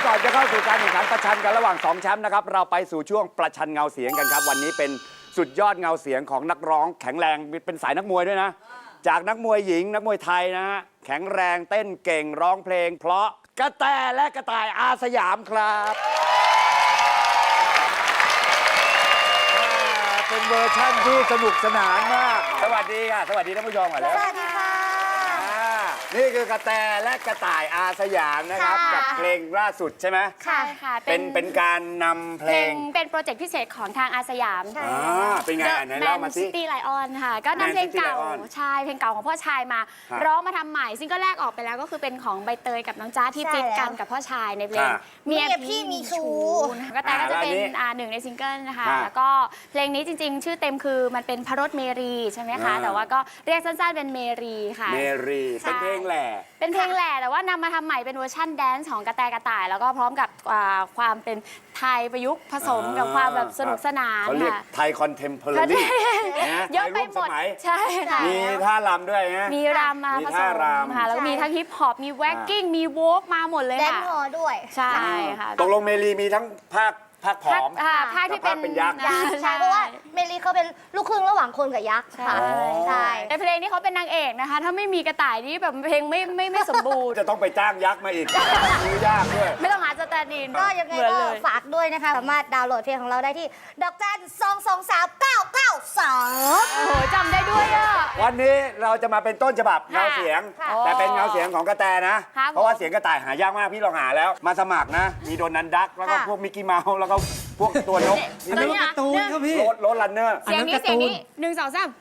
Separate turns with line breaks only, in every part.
ก่อนจะเข้าสู่การแข่งขันประชันกันระหว่าง2แชมป์นะครับเราไปสู่ช่วงประชันเงาเสียงกันครับวันนี้เป็นสุดยอดเงาเสียงของนักร้องแข็งแรงเป็นสายนักมวยด้วยนะจากนักมวยหญิงนักมวยไทยนะฮะแข็งแรงเต้นเก่งร้องเพลงเพราะกระแตและกระต่ายอาสยามครับเป็นเวอร์ชั่นที่สนุกสนานมากสวัสดีค่ะสวัสดีท่านผู้ชมก่อนแล้ว
สวัสดีค่ะ
นี่คือกระแตและกระต่ายอาสยามนะครับกับเพลงล่าสุดใช่ไหม
ใช่ค่ะ
เป็นการนำเพลง
เป็นโปรเจกต์พิเศษของทางอาสยาม
เป็นไงอันไหนเล่ามาสิ
ซิตี้ไลออนค่ะก็นำเพลงเก่า
Man City Lion
ใช่เพลงเก่าของพ่อชายมา
ครับ
ร้องมาทำใหม่ซิงเกิลแรกออกไปแล้วก็คือเป็นของใบเตยกับน้องจ้าที่
ใช่
ฟิตกัน
แล้ว
กับพ่อชายในเพลง
ค่ะ
เมีย
พี่มีชู้
นะคะก็แต่ก็จะเป็น
แล้วอันนี้
หนึ่งในซิงเกิลนะคะ
ค่ะ
แล้วก็เพลงนี้จริงๆ ชื่อเต็มคือมันเป็นพระรถเมรีใช่ไหมคะ
อ่า
แต่ว่าก็เรียกสั้นๆเป็นเมรีค่ะ
เมรีเป็นเพลงแหล่
เป็นเพลงแหละแต่ว่านำมาทำใหม่เป็นเวอร์ชั่นแดนซ์ของกระแตกระต่าย แล้วก็พร้อมกับความเป็นไทยประยุกต์ผสมกับความแบบสนุกสนาน
เขาเรียก
ค่ะ
ไทยคอนเทมพอร์รี่
เยอะไปหมดใช่ค่ะ
มีท่ารำด้วยนะ
มีรำมา
มี
ผส
ท่าม รำ
ค่ะแล้วก็มีทั้งฮิปฮอปมีแว็กกิ้งมีโวกมาหมดเลย
แดน
ค่ะ
ฮอด้วย
ใช่ค่ะ
ตกลงเมรีมีทั้งภาคผอม
ภาคที่เป็น
กับภาคเป็นยักษ์
ใช่เพราะว่าเมลีเขาเป็นลูกครึ่งระหว่างคนกับยักษ์ค่ะ
ใช่
ใช่
ในเพลงนี้เขาเป็นนางเอกนะคะ ถ้าไม่มีกระต่ายนี่แบบเพลงไม่สมบูรณ์
จะต้องไปจ้างยักษ์มาอีกซื้อยากด้วย
ไม่ต้องหาสแตนด์อิน
ก็ยังไง
เหมือน
ก็
เลย
ฝากด้วยนะคะ สามารถดาวน์โหลดเพลงของเราได้ที่ดอกจัน2239992
โอ้โหจำได้ด้วยอ่ะ
วันนี้เราจะมาเป็นต้นฉบับเงาเสียง
ค่ะ
แต่เป็นเงาเสียงของกระแตนะ
ครับ
เพราะว่าเสียงกระต่ายหายากมากพี่ลองหาแล้ว มาสมัครนะ มีโดนันดักแล้วก็
ค่ะ
พวกมิกกี้เมาส์แล้วก็พวกตัวนก
อันนี้การ์ตูนครับพี่
รถรันเนอร์
เสียงนี้เสียงนี้1 2 3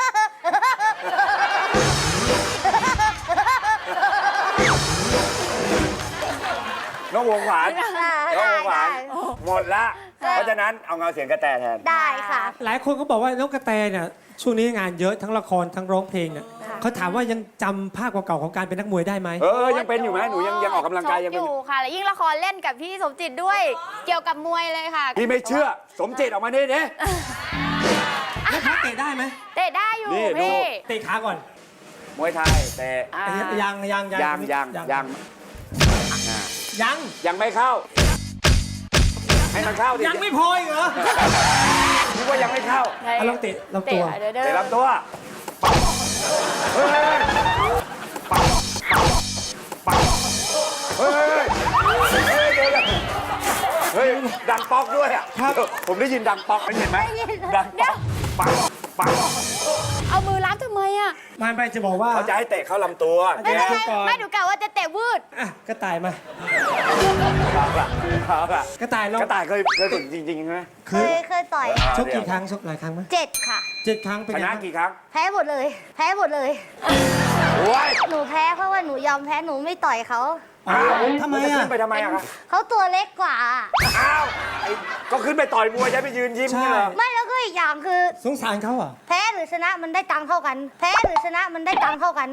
น้องวงหวานน้องวงหวาน
ได้
หมดละ เพราะฉะนั้นเอาเงาเสียงกระแตแทน
ได้ค่ะ
หลายคนก็บอกว่าน้องกระแตเนี่ยช่วงนี้งานเยอะทั้งละครทั้งร้องเพลงเนี่ยเขาถามว่ายังจำภาพเก่าๆของการเป็นนักมวยได้ไหม
ยังเป็นอยู่ไหมหนูยังออกกำลังกายยัง
อ
เป็น
ยู่ค่ะ แล้วยิ่งละครเล่นกับพี่สมจิตด้วย เกี่ยวกับมวยเลยค่ะ
พี่ไม่เชื่อ สมจิตออกมานี่ดิ
แล้วเขาเตะได้ไหม
เตะได้อยู่
นี่ดู
พี่
เตะขาก่อน
มวยไทยแต่
อ่า
ยัง
ยังไม่เข้า ให้มันเข้าดิ
ยังไม่พออีกเหรอ
คิดว่ายังไม่เข้า
เอาลองเตะลำตัว
เดี๋ยว
เตะลำตัวปังเฮ้ยปังปังเฮ้ยเฮ้ยดังป๊อกด้วยอ่ะ
ครับ
ผมได้ยินดังป๊อกเห็นไหมดังป๊อกปังปัง
เอามือล้างทำไมอ่ะ
ไม่จะบอกว่า
เขาจะให้เตะเข้าลำตัว
ไม่ได้ ก่อน
ไม่ดูกะว่าจะเตะวืด
อ่ะกระต่ายมา
ครับอ่ะ
กระต่ายลอง
กระต่ายเคยฝึกจริงๆใช่ไหม
เคยต่อย
ชกกี่ครั้งชกหลายครั้งไหม
7 ค่ะ
7 ครั้งเป็น
ช
ไง
นะ
บ้าง
กี่ครั้ง
แพ้หมดเลย แพ้หมดเลย
โอ้ย
หนูแพ้เพราะว่าหนูยอมแพ้หนูไม่ต่อยเขา
อ้าวทำไม
จะ
อ่ะ
ขึ้นไปทำไมอะครับ
เขาตัวเล็กกว่า
อ้าวก็ขึ้นไปต่อยมวยใช่ไปยืนยิ้มนี่เหรอ
ไม่แล้วก็อีกอย่างคือ
สงสารเขาอ่ะ
แพ้หรือชนะมันได้ตังค์เท่ากัน แพ้หรือชนะมันได้ตังค์เท่ากัน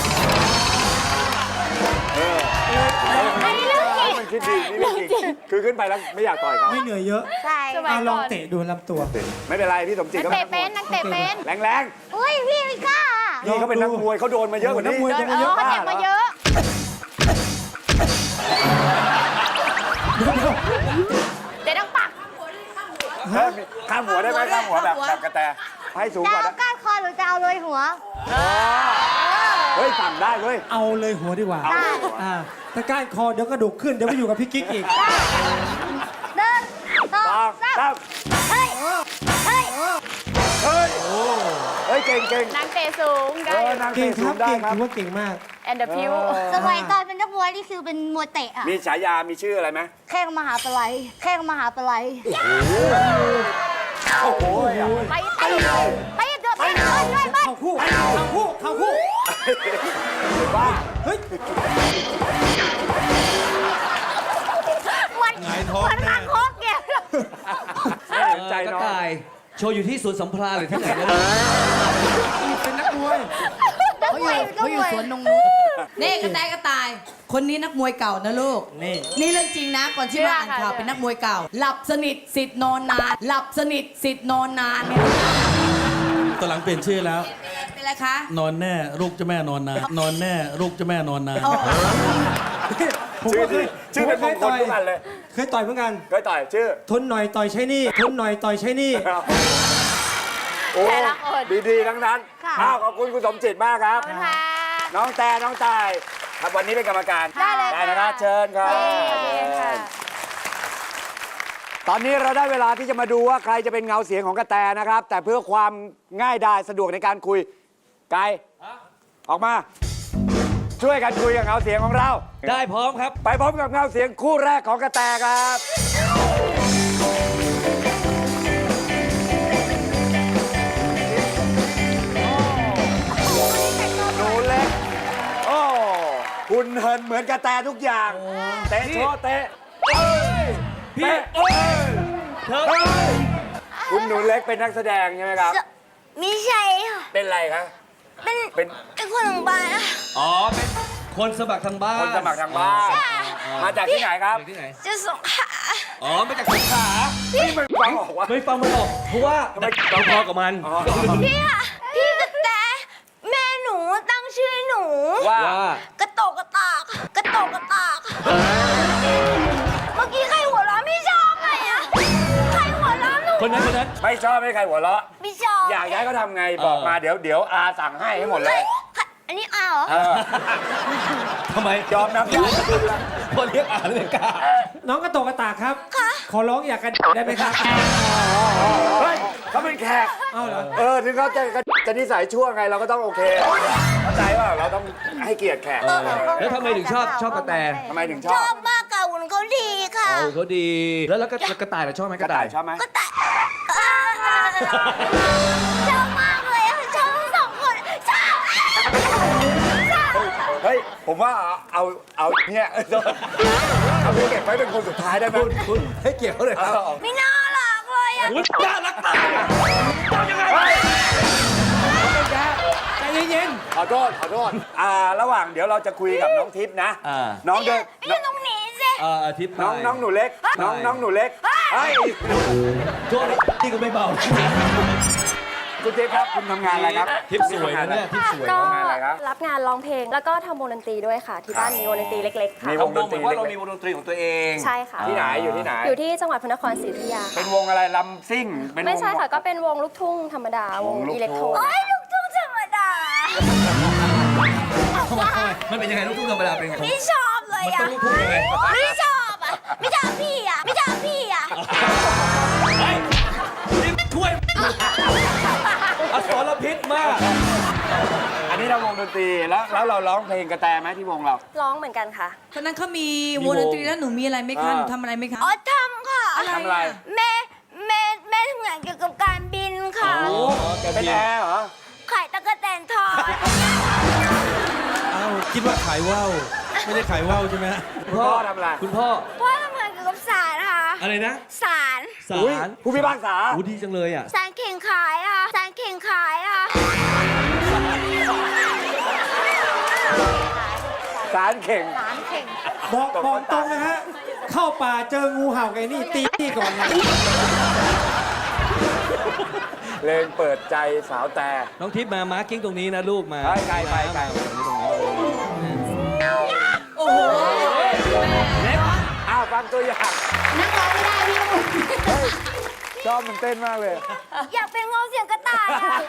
อันนี้เรื่องจริง
มันคิดดีนี่เรื่องจริงคือขึ้นไปแล้วไม่อยากต่อยเขา
ไม่เหนื่อยเยอะ
ใช่
สบาย
เอาลองเตะดูลำตัว
ไม่เป็นไรพี่สมจิต
นัก
ก็
เตะเป็นนักเตะเป็น
แรง
อุ้ยพี่ไม่กล้า
ๆพี่เขาเป็นนักมวยเขาโดนมาเยอะกว่านี้
นักมวย
เดินเขาเจ็บมาเยอะ เตะดังปัก
ข้ามหัวได้ไหมข้ามหัวแบบกระแตให้สูง
จะ
กว่า
เอา
นะ
ก้านคอหรือจะเอาเลยหัว
เฮ้ยสั่งได้เว้ย
เอาเลยหัวดีกว่า
เอาเลยหัว
อ่าถ้าก้านคอเดี๋ยวกระดูกขึ้นเดี๋ยวไปอยู่กับพี่กิ๊กอีก
เดินต่อ
สอง
สาม
สาม
เฮ้ย เฮ้ย
เฮ้ยเฮ้ยเก่งเก่ง
นางเตะสูงได้
นาง
เก่
เตะ
งค
สู
รั
ง
บ
ได้
เก่ง
ครับ
ถือว่าเก่งมาก
แอนเดอร์พิว
สมัยตอนเป็นนักมวยนี่คือเป็นมวยเตะอะ
มีฉายามีชื่ออะไรไหม
แข้งมหาปลัยแข้งมหาปลัย
โอ้โห
ไปเตะไปเดือดไปเดือดด้วยบ้าน
เข้าคู่เข้าคู่
บ้า
เฮ้ย
วันวันคางคกเนี่ย
ไม่เห็นใจน้อง
กระต่ายโชว์อยู่ที่สวนสัมพราหรือที่ไหนนะ
เป็นนักมวย
นักมวยนัก
เขาอ
ม
ยู่
วย
สวนนงนุชนี่กระต่ายกระต่าย คนนี้นักมวยเก่านะลูก
นี่
นี่เรื่องจริงนะ ก่อนที่มาอ่านข่าวเป็นนักมวยเก่า หลับสนิทสิทธิ์นอนนาน หลับสนิทสิทธิ์นอนนานเนี่ย
ตอนหลังเปลี่ยนชื่อแล้ว
เป็นไรคะ
นอนแน่ลูกเจ้าแม่นอนนานนอนแน่ลูกเจ้าแม่นอนนาน
โอ้
พผม
ชื่อ
ก็เค
ดี
ย
ชื่อเป็นมงคลทุกอันเลย
เคยต่อยเหมือนกัน
เคยต่อยชื่อ
ทนหน่อยต่อยใช้หนี่ทนหน่อยต่อยใช้หนี่
โอ้
แต่ละคน
ดีๆทั้งนั้น
ค่ะ
อ้าวขอบคุณคุณสมจิตมากครับ
ขอบคุณค่ะ
น้องแต่น้องตายครับวันนี้เป็นกรรมการ
ได้เลย
ได้นะครับเชิญครับ
เย้ค่ะ
ตอนนี้เราได้เวลาที่จะมาดูว่าใครจะเป็นเงาเสียงของกระแตนะครับ แต่เพื่อความง่ายดายสะดวกในการคุยไกายออกมา ช่วยกันคุยกับเงาเสียงของเรา
ได้พร้อมครับ
ไปพบกับเงาเสียงคู่แรกของกระแตครับหนูเล็ก โอ้คุณเหินเหมือนกระแตทุกอย่าง เตะโชว์เตะเอ้ย
พี่
เตะเอ้ยเอ้ยคุณหนูเล็กเป็นนักแสดงใช่ไหมครับ
มิใช่ค่ะ
เป็นไรครับ
เป็น
เป็น
เป็นคนของบ้านอะ
อ๋อ เป็นคนสมัครทางบ้าน
คนสมัครทางบ้าน มาจากที่ไหนครับ
จากที่ไหน
จะส่งขา
อ๋อ มาจากสงขลา
นี่มันฟังออกว่า
ไม่ฟังมันออก เพราะว่า
ทำไม
เราพอกับมัน
พี่ค่ะพี่กระแตแม่หนูตั้งชื่อให้หนู
ว่า
ว่า
กระโตกกระตากกระโตกกระตากเมื่อกี้ใครหัวเราะไม่ชอบเลยอะใครหัวเราะหนู
คนนั้นคนนั้น
ไม่ชอบให้ใครหัวเราะ
ไม่ชอบ
อยากย้ายก็ทำไงบอกมาเดี๋ยวอาสั่งให้หมดเลย
อันนี้อาเหรอ
เออ
ทำไม
ยอมนับญาติคุณละ
พอเรียกอ่านเลยกล้า
น้องกระโตกกระตากครับ ขอร้องอยากกันได้ไหมครับ
เฮ้ยเขาเป็นแขก
เอาเหรอ
ถึงเขาจะนิสัยชั่วไงเราก็ต้องโอเคเข้าใจว่าเราต้องให้เกียรติแขก
แล้วทำไมถึงชอบกระแต
ทำไมถึงช
ช
อ
อ
บบ
มากกับหุ่นเขาดีค่ะ
เอาเขาดี แล้วกระต่ายล่ะชอบไหม
กระต่ายชอบไหม
ก็แต่ชอบมากเลยอะชอบทั้งสองคนชอบชอบ
เฮ้ยผมว่าเอาเนี่ยเอาไปเก็บไว้เป็นคนสุดท้ายได้ไหม
คุณให้เกียรติเขาเลยครับ
ไม่น่ารักเลยอะ
อุ๊ยน่ารักตายเอายังไง
ใจเย็น
ขอโทษระหว่างเดี๋ยวเราจะคุยกับน้องทิพย์นะ น้องเดิน
ไม่ใช่ตรงนี้สิ
อาทิตย์
น้องหนูเล็ก น้องหนูเล็กเฮ้ย
โทษนี่ก็ไม่เบา
คุณทิพย์ครับคุณทำงานอะไรครับ
ทิปสวยนะเนี่ยทิปสวย
ก็
ทำงานอะไรครับ
รับงานร้องเพลง แล้วก็ทำวงดนตรีด้วยค่ะ ที่บ้านมีวงดนตรีเล็ก ๆ ค่ะ
มีวงดนตรี
ว่าเรามีวงดนตรีของตัวเอง
ใช่ค่ะ
ที่ไหนอยู่ที่ไหน
อยู่ที่จังหวัดพระนครศรีอยุธยา
เป็
ค่ะ
นวงอะไรลำซิ่งเป็นวง
ไม่ใช่ค่ะ ก็เป็นวงลูกทุ่งธรรมดา วง
วงลูกทุ่ง
อิเล็กโทร
โอ้ยลูกทุ่งธรรมดา
มันเป็นยังไงลูกทุ่งธรรมดาเป็นไง
ไม่ชอบเลย
มันต้
อะ
องลูกทุ่งยังไง
ไม่ชอบอะไม่ชอบพี่อะไม่ชอบพี่อะ
เฮ้ยนี่ช่วยอสรพิษมาก
อันนี้เราวงดนตรีแล้วเราร้องเพลงกระแตไหมที่วงเรา
ร้องเหมือนกันค่ะ
ตอนนั้นเขามีวงดนตรีแล้วหนูมีอะไรไหมคะ หนูทำอะไรไหมคะ
อ๋อทำค่ะ
ทำอะไร
แม่ทำงานเกี่ยวกับการบินค่ะ
เป็นแอร์เหรอ
ขายตะกั่วแตนทอด
เอ้าคิดว่าขายว่าวไม่ได้ขายว่าวใช่ไหมฮะ
คุณพ่อทำอะไร
คุณพ่อ
พ่อทำงานเกี่ยวกับศาลค่ะ
อะไรนะ
ศาล
ศา
อุ๊ย
ล
ผู้พิพากษา
อู้ดีจังเลยอ่ะ
ศาลเข่งขายค่ะศาลเข่งขายค่ะ
สารเข่ง
ๆ บอกตรงนะฮะ เข้าป่าเจองูเห่าไงนี่ตีนี่ก่อนเลย
เพลงเปิดใจสาวแต่
น้องทิพย์มามาร์กิ้งตรงนี้นะลูกมา
ไปไกล
ตรงนี้ตรงนี้
โอ้โห
อ้าวฟังตัวอย่าง
นักร้องไม่ได้พี่ต้อง
ชอบมันเต้นมากเลย
อยากเป็นเงาเสียงกระต่ายอะ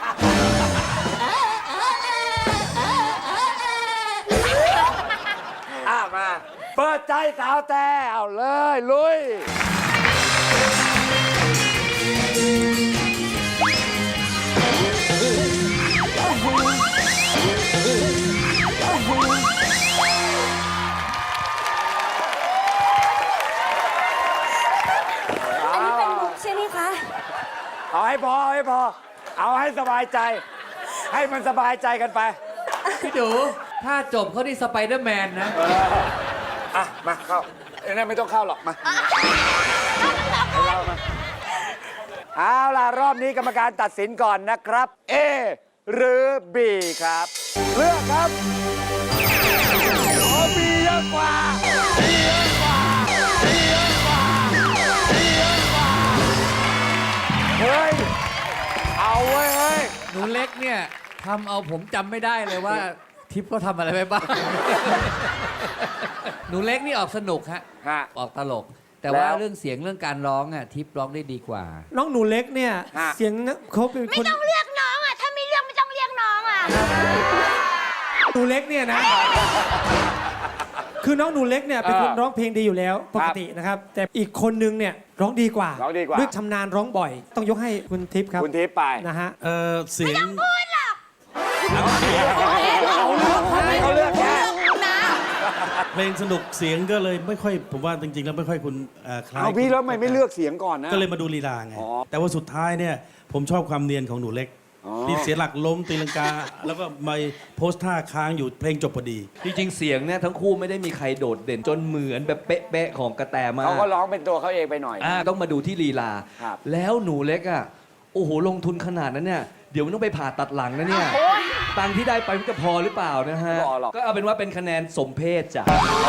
มา เปิดใจสาวแต่เอาเลยลุย
อันนี้เป็นมุกใช่ไหมคะ
เอาให้พอ เอาให้สบายใจ ให้มันสบายใจกันไป
พี่ดู ถ้าจบเขาที่สไปเดอร์แมนนะ
มาเข้าไอ้นั่นไม่ต้องเข้าหรอกมาให้เรามาเอาล่ะ รอบนี้กรรมการตัดสินก่อนนะครับ A หรือ B ครับ เลือกครับโอ้ B เยอะกว่า B เยอะกว่า B เยอะกว่า B เยอะกว่า เฮ้ย เอาเว้ยเฮ้ย
หนูเล็กเนี่ยทำเอาผมจำไม่ได้เลยว่าทิปก็ทำอะไรไปบ้าง หนูเล็กนี่ออกสนุกฮะ
ฮะ
ออกตลก แต่ว่า
แล้ว
เรื่องเสียงเรื่องการร้องอ่ะทิปร้องได้ดีกว่า
น้องหนูเล็กเนี่ย
ฮะ
เสียงเขาเป็น
ไม่
คน
ต้องเรียกน้องอ่ะ ถ้ามีเรื่องไม่ต้องเรียกน้องอ่ะ
หนูเล็กเนี่ยนะ คือน้องหนูเล็กเนี่ยเป็นคนร้องเพลงดีอยู่แล้วปกตินะครับ แต่อีกคนนึงเนี่ยร้องดีกว่า
ร้องดีกว่า
ด้วยชำนาญร้องบ่อย ต้องยกให้คุณทิพย์ครับ
คุณทิพย์ไป
นะฮะ
เสียง
เขาเลือกแค่
เพลงสนุกเสียงก็เลยไม่ค่อยผมว่าจริงๆแล้วไม่ค่อยคุณคล้าย
เอาพี่แล้วทำไมไม่เลือกเสียงก่อนนะ
ก็เลยมาดูลีลาไง
อ๋อ
แต่ว่าสุดท้ายเนี่ยผมชอบความเนียนของหนูเล็ก
อ๋อ
ที่เสียหลักล้มตีลังกา แล้วก็มาโพสท่าค้างอยู่เพลงจบพอดี
จริงๆ เสียงเนี่ยทั้งคู่ไม่ได้มีใครโดดเด่นจนเหมือนแบบเป๊ะๆของกระแตมาก
เขาก็ร้องเป็นตัวเขาเองไปหน่อย
ต้องมาดูที่ลีลา
ครับ
แล้วหนูเล็กอ่ะ โอ้โห ลงทุนขนาดนั้นเนี่ย เดี๋ยวมันต้องไปผ่าตัดหลังนะเนี่ย ตังค์ที่ได้ไปมันจะพอหรือเปล่านะฮะ
ไม่พอหรอก
ก็เอาเป็นว่าเป็นคะแนนสมเพศจ้ะ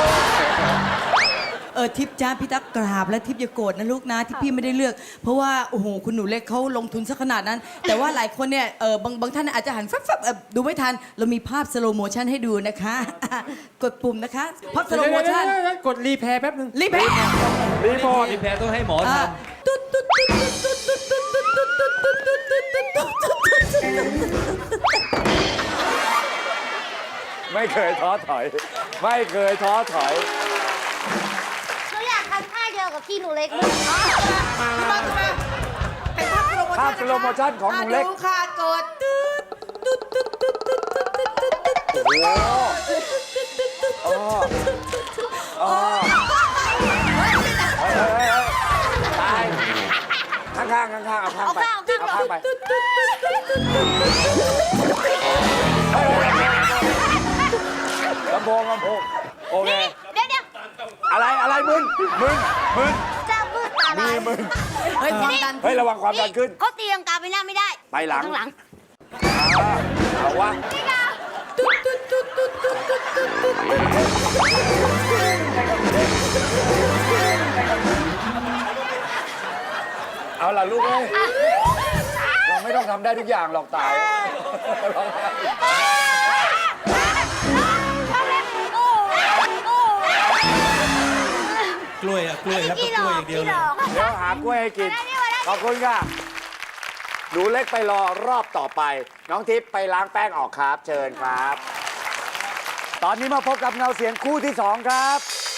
ทิพย์จ้าพี่ตั๊กกราบและทิพย์อย่าโกรธนะลูกนะที่พี่ไม่ได้เลือก เพราะว่าโอ้โหคุณหนูเล็กเขาลงทุนซะขนาดนั้น แต่ว่าหลายคนเนี่ยบางท่านอาจจะหันแฟบๆดูไม่ทัน เรามีภาพสโลโมชันให้ดูนะคะ กดปุ่มนะคะภาพสโลโมชัน
กดรีแพร์แป๊บนึง
รีบไป
รีโมท
พี่แพ้ต้องให้หมอท
ตุ๊ดตุ๊ดตุ๊ดตุ๊ดตุ๊ดตุ๊ดตุ๊ดตุ๊ดตุ๊ดตุ๊ดตุ๊ดตุ๊ดตุ๊ดตุ๊ด
ไม่เคยท้อถอย ไม่เคยท้อถอย
หนูอยากทำท่าเดียวกับที่หนูเล็กเลย
เป็นภาพสโลโม
ภา
ชั่
พสโลโมชั่นของหนูเล็ก
ดูค่ะกดตุ๊ดตุ๊ดตุ๊ดตุ๊ดตุ๊ดตุ๊ดตุ๊ดตุ๊ดตุ๊ด
โอ้โหอ๋อตายข้างๆข้างๆเอาข้างไปเอาข้างไปลำโพงโอเค
เดี๋ยว
อะไรมึน
จะมืดอะไร
มีมึน
เฮ้ยความดัน
เฮ้ยระวังความดันขึ้น
เขาตีลังกาไปหน้าไม่ได้
ไปหลัง
ข้างหลัง
เอาวะเอาล่ะลูกเอ้ยเราไม่ต้องทำได้ทุกอย่างหรอกตาย
กล้วยกล้วยครับต้องกล้วยอย่างเดียวเลย
เดี๋ยวหากล้วยให้กิน ขอบคุณค่ะหนูเล็กไปรอรอบต่อไป น้องทิพย์ไปล้างแป้งออกครับ เชิญครับ ตอนนี้มาพบกับเงาเสียงคู่ที่ 2 ครับ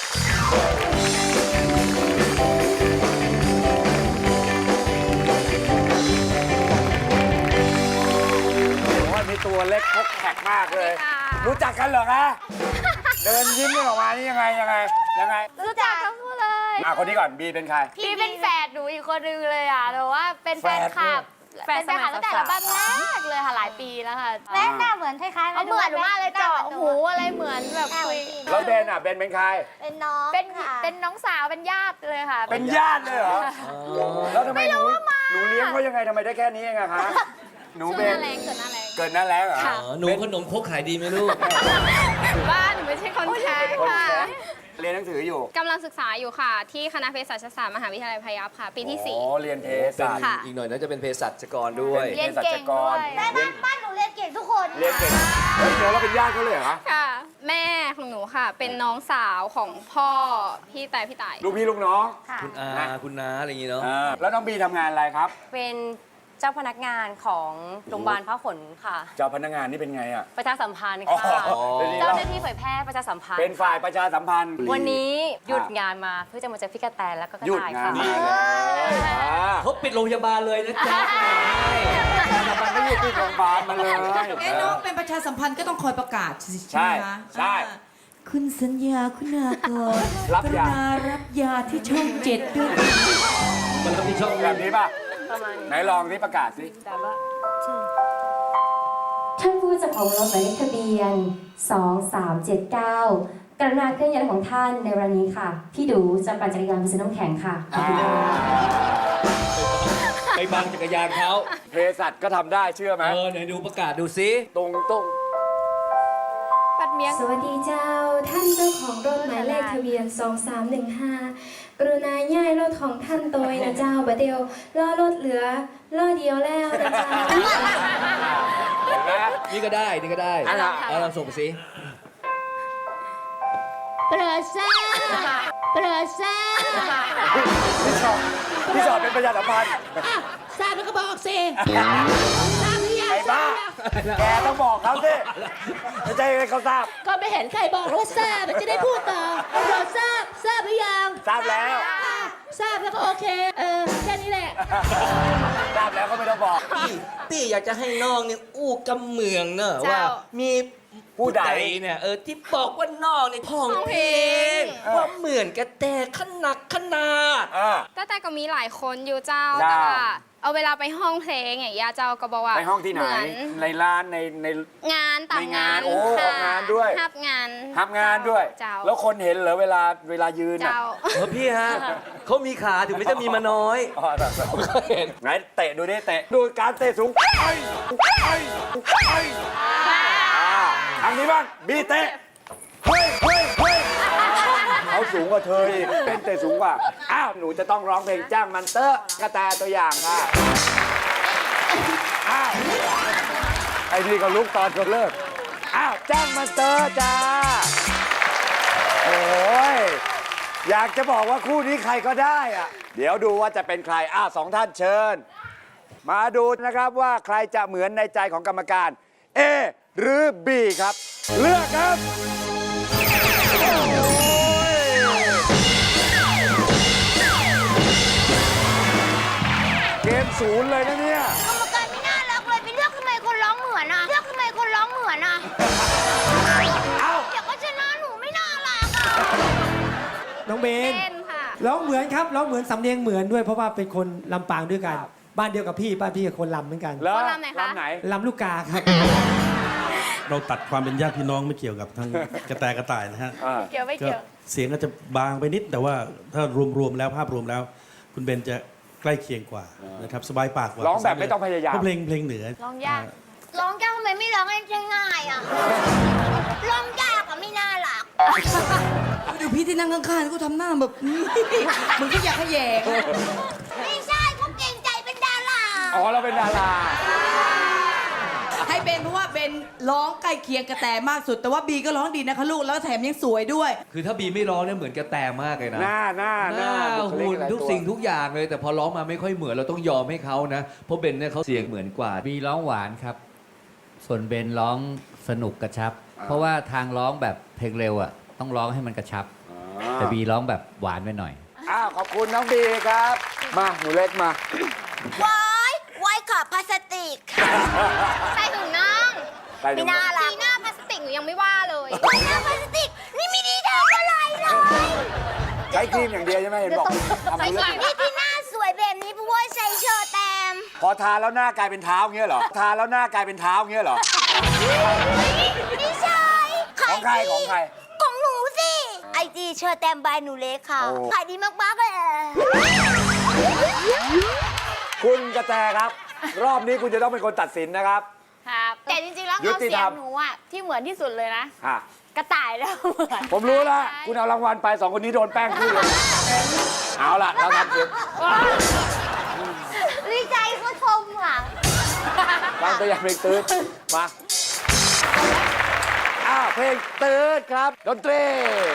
โอ้ยมีตัวเล็กพกแขกมากเลย รู้จักกันเหรอคะ เดินยิ้มกันออกมานี่ยังไง
รู้จักทั้งคู่เลย
คนนี้ก่อนบีเป็นใคร
พี่เป็นแฝดหนูอีกคนนึงเลยอ่ะแต่ว่าเป็นแฟนคลับ
แฝด
เป็นแฟนคลับตั้งแต่ระบ้านแรกเลยค่ะหลายปีแล้วค่ะ
แม่หน้าเหมือนคล้ายๆ
เอาเหมือนหนูมากเลยเจาะหูอะไรเหมือนแบบคุย
แล้วเบนเป็นใคร
เป็นน้อง
เป็น
ค่ะ
เป็นน้องสาวเป็นญาติเลยค่ะ
เป็นญาติเลยเหรอ แล้วทำไมหนูเลี้ยงเขายังไงทำไมได้แค่นี้เองอะคะหนู
ชื่อ
เบ
หน้าน แรงเกิดหน้าแรง
เกิดหน้าแรงเหรอ
ค่ะ
ำหนูขนมครกขายดีไหมลูก
บ้านหนูไม่ใช่คนใช้
คน
ค่ะ
แก่เรียนหนังสืออยู่
กำลังศึกษาอยู่ค่ะ ที่คณะเภสัชศาสตร์มหาวิทยาลัยพยัพค่ะ ปีที่
อ๋อเรียนเภสัช
ค่ะ
อีกหน่อยน่าจะเป็นเภสัชกรด้วย
เรียนเก่งด้วย
แต่บ้านหนูเรียนเก่งทุกคน
เรียนเก่งเฮ้ยเดี๋ยวเราเป็นญาติเขาเลยเหรอคะ
4 ค่ะ แม่ของหนูค่ะ เป็นน้องสาวของพ่อพี่ต่าย
ลูกพี่ลูกน้อง
ค่ะ
คุณอาคุณน้าอะไรอย่างงี้เนาะ
แล้วน้องบีทำงานอะไรครับ
เป็นเจ้าพนักงานของโรงพยาบาลพหลค่ะ
เจ้าพนักงานนี่เป็นไงอะ
ประชาสัมพันธ์
อ๋อ
ค่ะ
เป็นนี่
เจ้า
เรา
หน้าที่เผยแพร่ประชาสัมพันธ์
เป็นฝ่ายประชาสัมพันธ์
วันนี้หยุดงานมาเพื่อจะมาเจอพี่กระแตแล้วก็กระ
หยุด
ต่าย
งา
ค่ะ
นนี่เลยอ่า
เขาปิดโรงพยาบาลเลยนะจ๊ะ
มันไม่อยู่ที่โรงพยาบาลมาเลย
น้องเป็นประชาสัมพันธ์ก็ต้องคอยประกาศ
ใช่
ไหมคะ
ใช่
คุณสัญญาคุณากร
รับ
กรุ
ยา
ณารับยาที่ช่อง7ด้วย
มันต้องมีช่อง
แบบนี้ป่ะ
ประมาณ
ไหนลองนี่ประกาศสิ
แต่ว่า
ท่านผู้จัดของรถหมายเลขทะเบียน 2379 กรุณาเคลื่อนย้ายของท่านในวันนี้ค่ะ พี่ดูจะปั่นจักรยานไปซื้อน้ำแข็งค่ะ ขอบคุณค่ะ
ไปบังจักรยานเขา
เภสัชก็ทำได้เชื่อไหม
ไหนดูประกาศดูซิ
ตรง
ปัดเมียง
สวัสดีเจ้า ท่านเจ้าของรถหมายเลขทะเบียน 2315 กรุณาย้ายรถของท่านโดยนะเจ้าบัดเดียวล้อรถเหลือล้อเดียวแล้วนะเจ้า
เห็นไหม
นี่ก็ได้นี่ก็ได้
อันน่ะ
เอาเราส่งสิ
ประเสริฐประเสริฐ
พี่ชอบเป็นประหยัดสัมพันธ์
ทราบแล้วก็บอกสิทราบหรือยัง
ไอ้บ้า แกต้องบอกเขาสิไม่ใช่ให้เขาทราบ
ก็ไม่เห็นใครบอกว่าทราบมันจะได้พูดต่อเราทราบหรือยัง
ทราบแล้ว
ทราบแล้วก็โอเค แค่นี้แหละ
ทราบแล้วก็ไม่ต้องบอก
พี่อยากจะให้น้องเนี่ยอู้กำเมืองเนอะ
เจ้า
ว่ามี
ผู้ใด
เนี่ยที่บอกว่าน้องเนี่ยพ้องเพลงว่าเหมือนกระแตขนักขนาด
แต่ก็มีหลายคนอยู่เจ้า
เจ้า
แต่ว่าเอาเวลาไปห้องเพลงอย่างเงี้ยเจ้าก็บอกว่า
ในห้องที่ไหน
เมือน
ในร้านใน
งานต่าง
ในงาง
าน น
โอ้
ค่ะ
ออกงานด้วย
ทับงาน
ทำงานด้วย
เจ้า
แล้วคนเห็นเหรอเวลายืนน่ะ
เจ้า
พี่ฮะเขามีขาถึงไม่จะมีมาน้อย
อ๋อเห็นไหนเตะดูดิเตะดูการเตะสูงไอ้ทางนี้บ้างบีเตะเฮ้ยเขาสูงกว่าเธออีกเป็นเตะสูงกว่าอ้าวหนูจะต้องร้องเพลงจ้างมันเตอร์กระแตตัวอย่างค่ะอ้าวไอ้นี่ก็ลุกตอนเขาเลิกอ้าวจ้างมันเตอร์จ้าโอ้ยอยากจะบอกว่าคู่นี้ใครก็ได้อะเดี๋ยวดูว่าจะเป็นใครอ้าวสองท่านเชิญ มาดูนะครับว่าใครจะเหมือนในใจของกรรมการ A หรือ B ครับ เลือกครับเกมศูนย์เลยนะเนี่ย
กรรมการไม่น่ารักเลยไปเลือกทำไมคนร้องเหมือนอ่ะ เลือกทำไมคนร้องเหมือนอ่ะ
เอ้า
เดี๋ยวก็ชนะหนูไม่น่ารักอ่ะ
น้องเบน
เล่นค่ะ
ร้องเหมือนครับร้องเหมือนสำเนียงเหมือนด้วยเพราะว่าเป็นคนลำปางด้วยกัน บ้านเดียวกับพี่บ้านพี่กับคนลำเหมือนกัน
แล้ว
คนลำไหนคะ
ลำไหน
ลำลูกกาครับ
เราตัดความเป็นญาติพี่น้องไม่เกี่ยวกับทางกระแตกระต่ายนะฮะ
เกี่ยวไม่
ก็
เกี่ยว
เสียงอาจจะบางไปนิด แต่ว่าถ้ารวมๆแล้วภาพรวมแล้ว คุณเบนจะใกล้เคียงกว่านะครับสบายปากกว่า
ร้องแบบไม่ต้องพยายาม
เพราะเพลงเหนือ
ร้องยาก
ร้องยากทำไมไม่ร้องให้ง่ายๆอ่ะ ร้องยากอ่ะไม่น่ารัก
ดูพี่ที่นั่งข้างๆเขาทำหน้าแบบ เหมือนเขาอยากขยแยง
ไม่ใช่เขาเก่งใจเป็นดารา
อ๋อเราเป็นดารา
ให้เบนเพราะว่าเบนร้องใกล้เคียงกระแตมากสุด แต่ว่าบีก็ร้องดีนะคะลูกแล้วแถมยังสวยด้วย
คือถ้าบีไม่ร้องเนี่ยเหมือนกระแตมากเลยนะ
หน้า
หน้า
บุคลิ
หุ่น
อะไร
ทุก
ตัว
สิ่งทุกอย่างเลย แต่พอร้องมาไม่ค่อยเหมือนเราต้องยอมให้เขานะ เพราะเบนเนี่ยเขาเสียงเหมือนกว่า
บีร้องหวานครับ ส่วนเบนร้องสนุกกระชับ เพราะว่าทางร้องแบบเพลงเร็วอ่ะต้องร้องให้มันกระชับ แต่บีร้องแบบหวานไปหน่อย
อ้าวขอบคุณน้องบีครับ มาหนูเล็กมา
ไว้ค่ะพลาสติก
ใส่ถุงน่อง
ใส่ถุงน่อง
ไม่น่ารักสีหน้าพลาสติกหนูยังไม่ว่าเลย
ไว้หน้าพลาสติก นี่ไม่ได้ทำอะไรเลย
ใช้ครีมอย่างเดียวใช่ไหมเห็นบอกทำ
ใส่
เรื่อง
ครีม
นี่ที่หน้าสวยแบบนี้เพราะว่าใส่เชอร์แตม
พอทาแล้วหน้ากลายเป็นเท้าอย่างเงี้ยเหรอ ทาแล้วหน้ากลายเป็นเท้าอย่างเงี้ยเหรอ
ไม่ใช่
ของใครของใคร
ของหนูสิไอจีเชอร์แตมบายหนูเล็กค่ะ
โอ้
ขายดีมากๆเลย
คุณกระแตครับ รอบนี้คุณจะต้องเป็นคนตัดสินนะครับ
ครับ แต่จริงๆ แล้ว
ยุ
เงา
ติ
เสี
ธ
ย
รง รม
หนูอ่ะที่เหมือนที่สุดเลยนะ
อ่ะ
กระต่ายแล้วเหมือน
ผมรู้แล้ว คุณเอารางวัลไปสองคนนี้โดนแป้งคู่เลย เอาล่ะ เราทำเสียง
ดีใจเขาชมอ่ะ
ฟังตัวอย่างเพลงตืดมาอ้าวเพลงตืดครับ ดนตรี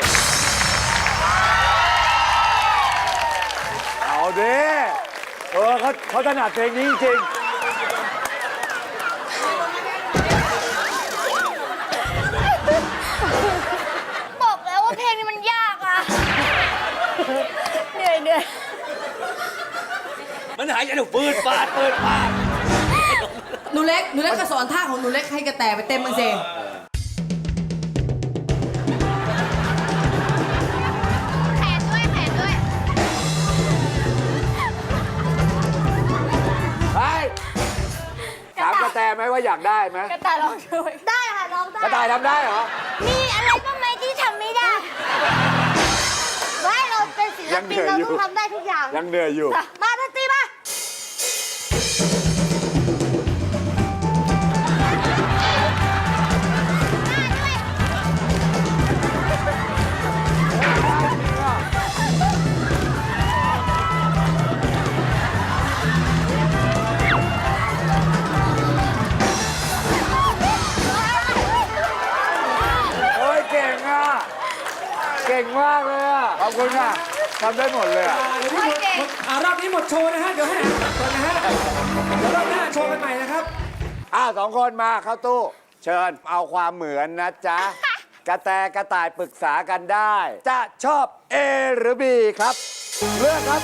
เอาดิเขาถนัดเพลงนี้จริง
บอกแล้วว่าเพลงนี้มันยากอ่ะ
เหนื่อย
มันหายใจหนูปืดปาด
หนูเล็กก็สอนท่าของหนูเล็กให้กระแตไปเต็มมังเซ
แขนด้วยแขนด้วย
ไปถามกระแตไหมว่าอยากได้ไหม
กระต่ายร้องด้วย
ได้ค่ะร้องได้
กระต่ายทำได้เหรอ
มีอะไรบ้างไหมที่ทำไม่ได้ไม่เราเป็นศิล
ยังเหนื่
ปิน
อย
เรา
อยู่
ต้องทำได้ทุกอย่าง
ยังเหนื่อยอยู่
มาดนตรีมา
คุณค่ะทำได้หมดเลยอะ
รอบนี้หมดโชว์นะฮะ เดี๋ยวให้อ่านก่อนนะฮะ เดี๋ยวรอบหน้าโชว์กันใหม่นะครับ
สองคนมาเข้าตู้ เชิญเอาความเหมือนนะจ๊ะ กระแตกระต่ายปรึกษากันได้ จะชอบ A หรือ B ครับ เลือกครับ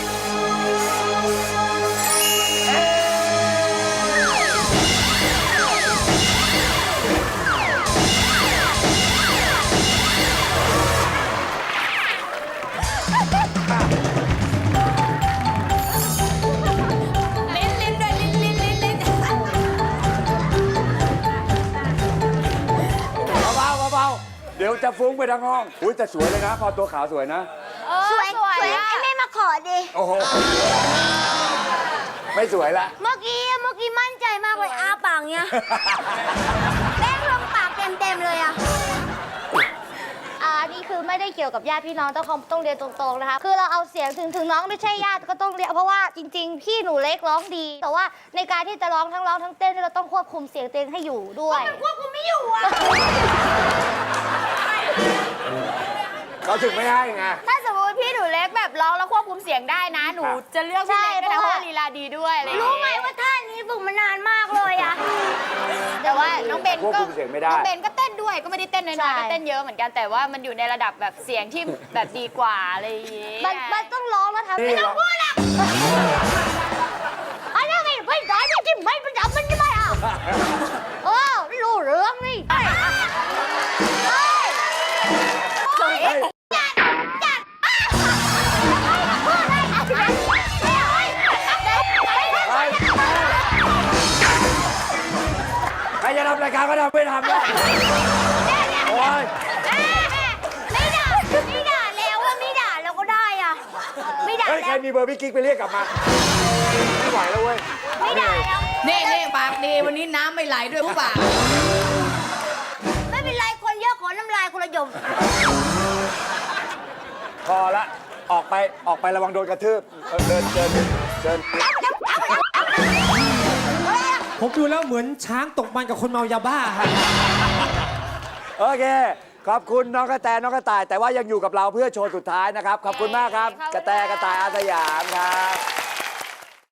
ลิ้นด้วยลิ้น
เบาๆเดี๋ยวจะฟุ้งไปทั้งห้อง อุ้ยแต่สวยเลยนะ พอตัวขาวสวยนะ
สวยไอ้แม่มาขอดิ
โอ้โห ไม่สวยละ
เมื่อกี้มั่นใจมากเลยอ้าปากเนี้ยแป้งลงปากเต็มเลยอ่ะ
นี่คือไม่ได้เกี่ยวกับญาติพี่น้องต้องเรียนตรงๆนะคะ คือเราเอาเสียงถึงน้องไม่ใช่ญาติก็ต้องเรียนเพราะว่าจริง ๆ พี่หนูเล็กร้องดี แต่ว่าในการที่จะร้องทั้งเต้นเราต้องควบคุมเสียงตัวเองให้อยู่ด้วย
ควบคุมไม่อยู่อ่ะ
เขาถึงไม่ให้ไง
ถ้าสมมติพี่หนูเล็กแบบร้องแล้วควบคุมเสียงได้นะ หนูจะเลือกพี่เล็กด้วยนะเพราะว่าลีลาดีด้วยอะไรอย่าง
รู้
เงี้ย
ไหมว่าท่านี้ฝึกมานานมากเลยอ่ะ
แต่ว่าน้องเบน
ควบ
ก็
คุมเสียงไม่ได้
น้องเบนก็เต้นด้วยก็ไม่ได้เต้นน้อยๆก็เต้นเยอะเหมือนกันแต่ว่ามันอยู่ในระดับแบบเสียงที่แบบดีกว่าอะไรอย่างเงี้ย
มันต้องร้องแล้วทำ
นี่
ไม่
เหร
ต้
อ
องพูดอ่ะอันนี้ไม่ได้ไม่จิ้มไม่ประจำมันจะไม่เอารู้เรื่องนี่
ใครจะทำรายการก็ทำไม่ทำแล้วโอ้ย
ไม่ด่าแล้วว่าไม่ด่าแล้วก็ได้อ่ะ ไม่ด่า
เฮ้ย ใคร
แล้ว
มีเบอร์พี่กิ๊กไปเรียกกลับมา ไม่ไหวแล้วเว้ย
ไม่ด่าแล้ว
นี่ปากดีวันนี้น้ำไม่ไหลด้วยผู้บ่าว
ไม่เป็นไรคนเยอะขอน้ำลายคนละหยม
พอละ ออกไประวังโดนกระทืบเดิน
ผมดูแล้วเหมือนช้างตกมันกับคนเมายาบ้าครับ
โอเค ขอบคุณน้องกระแตน้องกระต่าย แต่ว่ายังอยู่กับเราเพื่อโชว์สุดท้ายนะครับ ขอบคุณมากครับ กระแตกระต่ายอาสยามครับ